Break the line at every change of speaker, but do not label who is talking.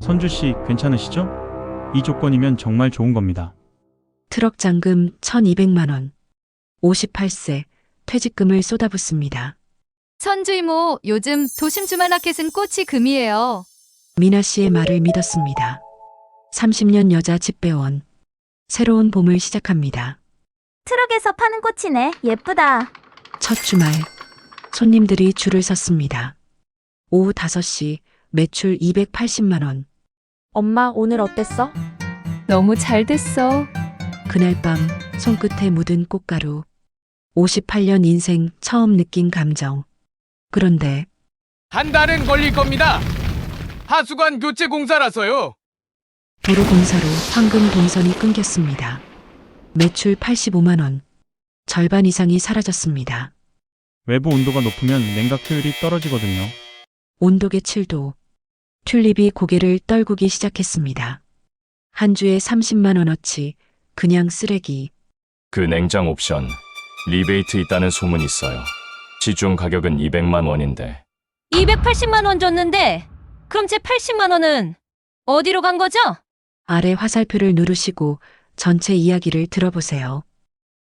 선주씨, 괜찮으시죠? 이 조건이면 정말 좋은 겁니다.
트럭 잔금 1200만 원. 58세 퇴직금을 쏟아붓습니다.
선주 이모, 요즘 도심 주말마켓은 꽃이 금이에요.
미나 씨의 말을 믿었습니다. 30년 여자 집배원. 새로운 봄을 시작합니다.
트럭에서 파는 꽃이네. 예쁘다.
첫 주말 손님들이 줄을 섰습니다. 오후 5시 매출 280만 원.
엄마, 오늘 어땠어?
너무 잘 됐어.
그날 밤 손끝에 묻은 꽃가루. 58년 인생 처음 느낀 감정. 그런데
한 달은 걸릴 겁니다. 하수관 교체 공사라서요.
도로 공사로 황금 동선이 끊겼습니다. 매출 85만 원. 절반 이상이 사라졌습니다.
외부 온도가 높으면 냉각 효율이 떨어지거든요.
온도계 7도. 튤립이 고개를 떨구기 시작했습니다. 한 주에 30만 원어치 그냥 쓰레기.
그 냉장 옵션 리베이트 있다는 소문 있어요. 시중 가격은 200만 원인데
280만 원 줬는데 그럼 제 80만 원은 어디로 간 거죠?
아래 화살표를 누르시고 전체 이야기를 들어보세요.